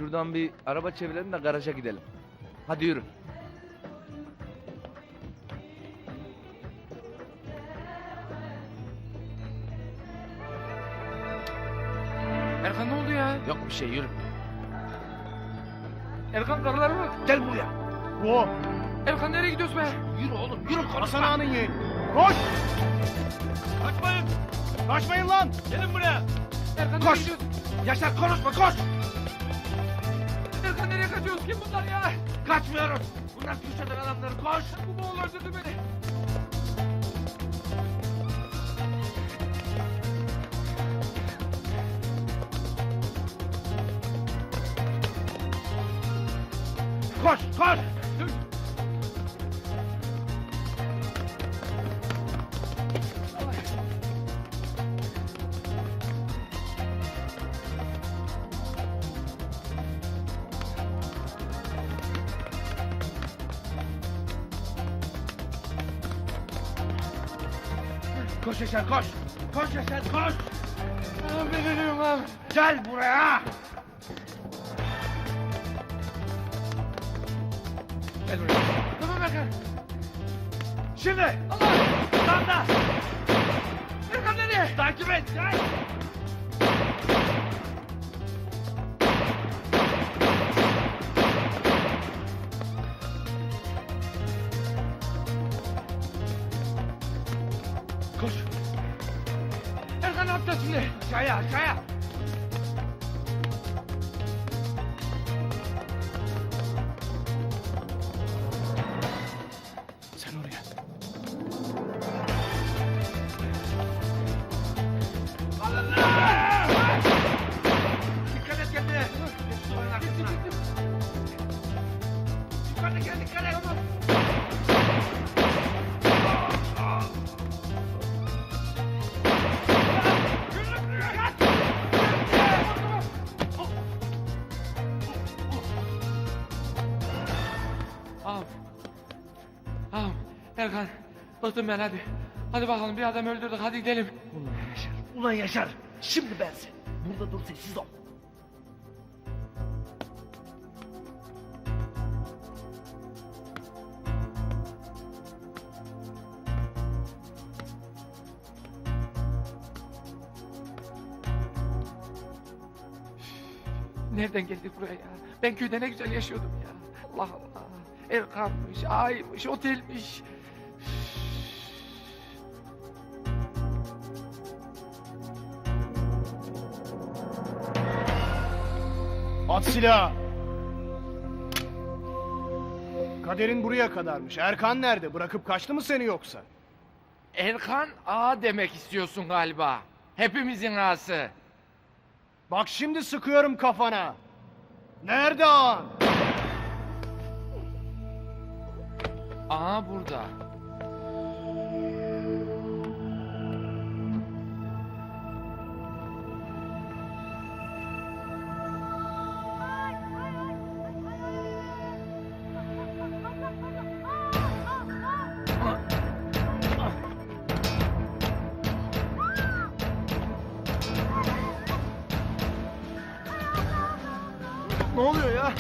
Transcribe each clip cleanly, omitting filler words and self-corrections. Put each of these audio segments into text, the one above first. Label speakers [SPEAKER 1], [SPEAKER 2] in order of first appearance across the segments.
[SPEAKER 1] Şuradan bir araba çevirelim de garaja gidelim. Hadi yürü.
[SPEAKER 2] Erkan ne oldu ya?
[SPEAKER 1] Yok bir şey, yürü.
[SPEAKER 2] Erkan karılar mı?
[SPEAKER 1] Gel buraya.
[SPEAKER 3] O.
[SPEAKER 2] Erkan nereye gidiyoruz be?
[SPEAKER 1] Yürü oğlum, yürü konuşma.
[SPEAKER 3] Hasan Ağa'nın yeğeni. Koş. Kaçmayın. Kaçmayın lan. Gelin buraya.
[SPEAKER 2] Erkan
[SPEAKER 1] Koş.
[SPEAKER 2] nereye gidiyoruz?
[SPEAKER 1] Yaşar konuşma, koş.
[SPEAKER 2] Erkan nereye kaçıyoruz? Kim bunlar ya?
[SPEAKER 1] Kaçmıyoruz. Bunlar Kürşat'ın adamları, koş.
[SPEAKER 2] Bu oğul öldürdü beni.
[SPEAKER 1] Koş, koş. Koş Yaşar, koş. Koş Yaşar, koş.
[SPEAKER 2] Ben ölüyorum abi.
[SPEAKER 1] Gel buraya. Gel buraya.
[SPEAKER 2] Tamam Erkan.
[SPEAKER 1] Şimdi.
[SPEAKER 2] Allah!
[SPEAKER 1] Sağda.
[SPEAKER 2] Erkan nereye?
[SPEAKER 1] Takip et, gel. Koş.
[SPEAKER 2] Erkan ne yapacağız şimdi?
[SPEAKER 1] Aşağıya, aşağıya. Sen oraya. Allah! Dikkat et kendine. Geç şu duvarın arkasına. Dikkat et, dikkat et.
[SPEAKER 2] Ağam. Ağam. Erkan. Bıktım ben hadi. Hadi bakalım bir adam öldürdük hadi gidelim.
[SPEAKER 1] Ulan Yaşar, ulan Yaşar. Şimdi bensin. Burada dur, sessiz ol.
[SPEAKER 2] Nereden geldik buraya ya? Ben köyde ne güzel yaşıyordum ya. Allah Allah. Erkan'mış, Ay'mış, otelmiş.
[SPEAKER 3] At silahı. Kaderin buraya kadarmış. Erkan nerede? Bırakıp kaçtı mı seni yoksa?
[SPEAKER 2] Erkan ağa demek istiyorsun galiba. Hepimizin ağası.
[SPEAKER 3] Bak şimdi sıkıyorum kafana. Nerede ağan?
[SPEAKER 2] Ağa burada.
[SPEAKER 3] Ne oluyor ya?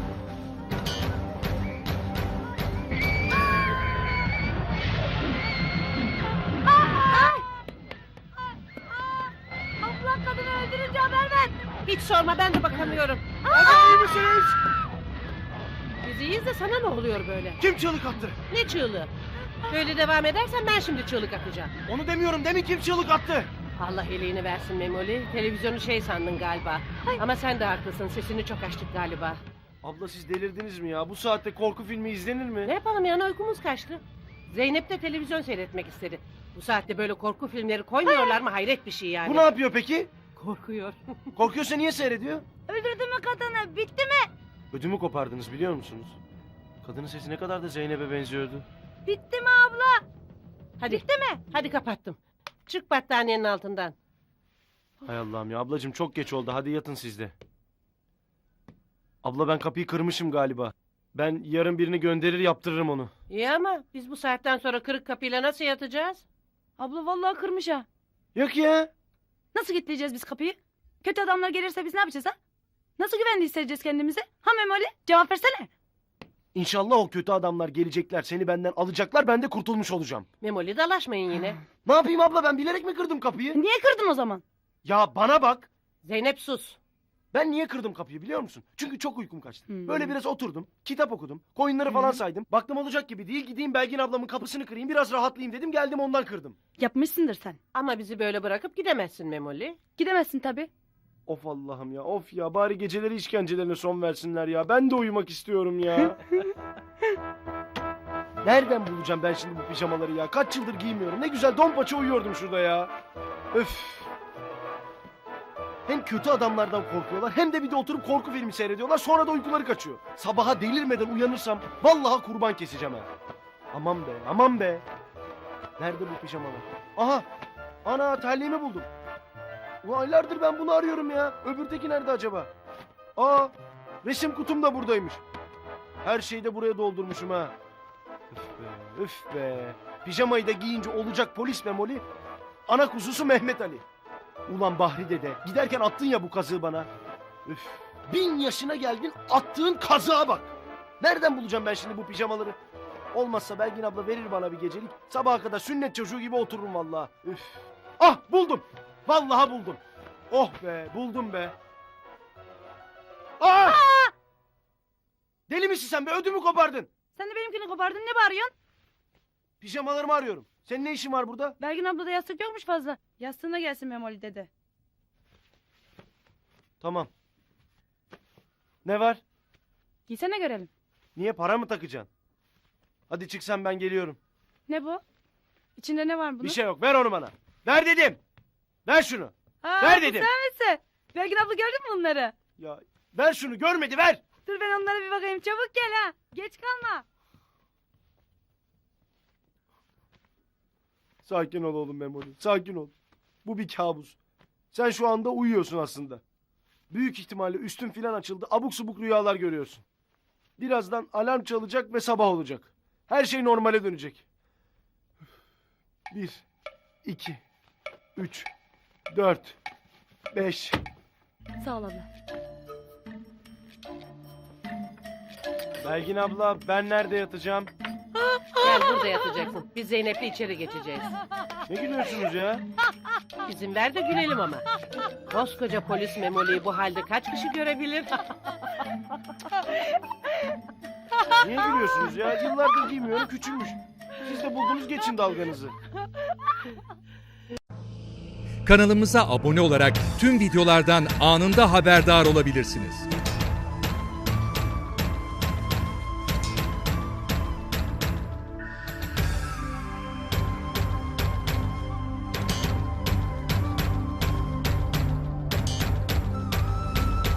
[SPEAKER 4] Abla kadını öldürünce haber ver.
[SPEAKER 5] Hiç sorma ben de bakamıyorum.
[SPEAKER 3] İyi misiniz?
[SPEAKER 5] Biz iyiyiz de sana ne oluyor böyle?
[SPEAKER 3] Kim çığlık attı?
[SPEAKER 5] Ne çığlığı? Böyle devam edersen ben şimdi çığlık atacağım.
[SPEAKER 3] Onu demiyorum. Demin kim çığlık attı?
[SPEAKER 5] Allah iyiliğini versin Memoli. Televizyonu şey sandın galiba. Ama sen de haklısın. Sesini çok açtık galiba.
[SPEAKER 6] Abla siz delirdiniz mi ya? Bu saatte korku filmi izlenir mi?
[SPEAKER 5] Ne yapalım yana uykumuz kaçtı. Zeynep de televizyon seyretmek istedi. Bu saatte böyle korku filmleri koymuyorlar mı? Hayret bir şey yani.
[SPEAKER 6] Bu ne yapıyor peki?
[SPEAKER 5] Korkuyor.
[SPEAKER 6] Korkuyorsa niye seyrediyor?
[SPEAKER 4] Öldürdü mü kadını? Bitti mi?
[SPEAKER 6] Ödümü kopardınız biliyor musunuz? Kadının sesi ne kadar da Zeynep'e benziyordu.
[SPEAKER 4] Bitti mi abla?
[SPEAKER 5] Hadi. Bitti mi? Hadi kapattım. Çık battaniyenin altından.
[SPEAKER 6] Hay Allah'ım ya ablacığım çok geç oldu. Hadi yatın siz de. Abla ben kapıyı kırmışım galiba. Ben yarın birini gönderir yaptırırım onu.
[SPEAKER 5] İyi ama biz bu saatten sonra kırık kapıyla nasıl yatacağız?
[SPEAKER 4] Abla vallahi kırmış ha.
[SPEAKER 6] Yok ya.
[SPEAKER 4] Nasıl kilitleyeceğiz biz kapıyı? Kötü adamlar gelirse biz ne yapacağız ha? Nasıl güvende hissedeceğiz kendimizi? Ha Memoli cevap versene.
[SPEAKER 6] İnşallah o kötü adamlar gelecekler, seni benden alacaklar, ben de kurtulmuş olacağım.
[SPEAKER 5] Memoli dalaşmayın yine.
[SPEAKER 6] Ne yapayım abla, ben bilerek mi kırdım kapıyı?
[SPEAKER 4] Niye kırdın o zaman?
[SPEAKER 6] Ya bana bak.
[SPEAKER 5] Zeynep sus.
[SPEAKER 6] Ben niye kırdım kapıyı biliyor musun? Çünkü çok uykum kaçtı.
[SPEAKER 4] Hmm.
[SPEAKER 6] Böyle biraz oturdum, kitap okudum, koyunları falan saydım. Baktım olacak gibi değil, gideyim Belgin ablamın kapısını kırayım, biraz rahatlayayım dedim, geldim ondan kırdım.
[SPEAKER 4] Yapmışsındır sen.
[SPEAKER 5] Ama bizi böyle bırakıp gidemezsin Memoli.
[SPEAKER 4] Gidemezsin tabii.
[SPEAKER 6] Of Allah'ım ya, of ya, bari geceleri işkencelerine son versinler ya. Ben de uyumak istiyorum ya. Nereden bulacağım ben şimdi bu pijamaları ya? Kaç yıldır giymiyorum. Ne güzel donpaça uyuyordum şurada ya. Öf. Hem kötü adamlardan korkuyorlar, hem de bir de oturup korku filmi seyrediyorlar, sonra da uykuları kaçıyor. Sabaha delirmeden uyanırsam vallahi kurban keseceğim ha. Aman be, aman be. Nerede bu pijamalar? Aha! Ana, terliğimi buldum. Ulan aylardır ben bunu arıyorum ya. Öbürteki nerede acaba? Aa! Resim kutum da buradaymış. Her şeyi de buraya doldurmuşum ha. Üf be, üf be. Pijamayı da giyince olacak polis Memoli. Ana kuzusu Mehmet Ali. Ulan Bahri dede, giderken attın ya bu kazığı bana. Üf. 1000 yaşına geldin, attığın kazığa bak. Nereden bulacağım ben şimdi bu pijamaları? Olmazsa Belgin abla verir bana bir gecelik. Sabaha kadar sünnet çocuğu gibi otururum vallahi. Üf. Ah, buldum. Vallahi buldum. Oh be, buldum be. Aa! Deli misin sen be, ödümü kopardın.
[SPEAKER 4] Sen de benimkini kopardın, ne bağırıyorsun?
[SPEAKER 6] Pijamalarımı arıyorum. Senin ne işin var burada?
[SPEAKER 4] Belgin ablada yastık yokmuş fazla. Yastığına gelsin Memoli dedi.
[SPEAKER 6] Tamam. Ne var?
[SPEAKER 4] Giysene görelim.
[SPEAKER 6] Niye, para mı takacaksın? Hadi çık sen, ben geliyorum.
[SPEAKER 4] Ne bu? İçinde ne var bunun?
[SPEAKER 6] Bir şey yok, ver onu bana. Ver dedim. Ver şunu.
[SPEAKER 4] Aa,
[SPEAKER 6] ver
[SPEAKER 4] bu
[SPEAKER 6] dedim.
[SPEAKER 4] Sen misin? Belgin abla gördün mü bunları?
[SPEAKER 6] Ya ver şunu, görmedi, ver.
[SPEAKER 4] Dur ben onlara bir bakayım, çabuk gel ha. Geç kalma.
[SPEAKER 6] Sakin ol oğlum Memoli, sakin ol. Bu bir kabus. Sen şu anda uyuyorsun aslında. Büyük ihtimalle üstün filan açıldı, abuk subuk rüyalar görüyorsun. Birazdan alarm çalacak ve sabah olacak. Her şey normale dönecek. 1, 2, 3, 4, 5.
[SPEAKER 4] Sağ ol abla.
[SPEAKER 6] Belgin abla, ben nerede yatacağım?
[SPEAKER 5] Gel burada yatacaksın. Biz Zeynep'le içeri geçeceğiz.
[SPEAKER 6] Ne gülüyorsunuz ya?
[SPEAKER 5] İzin ver de gülelim ama. Koskoca polis Memoli'yi bu halde kaç kişi görebilir?
[SPEAKER 6] Niye gülüyorsunuz ya? Yıllardır giymiyorum, küçülmüş. Siz de buldunuz, geçin dalganızı.
[SPEAKER 7] Kanalımıza abone olarak tüm videolardan anında haberdar olabilirsiniz.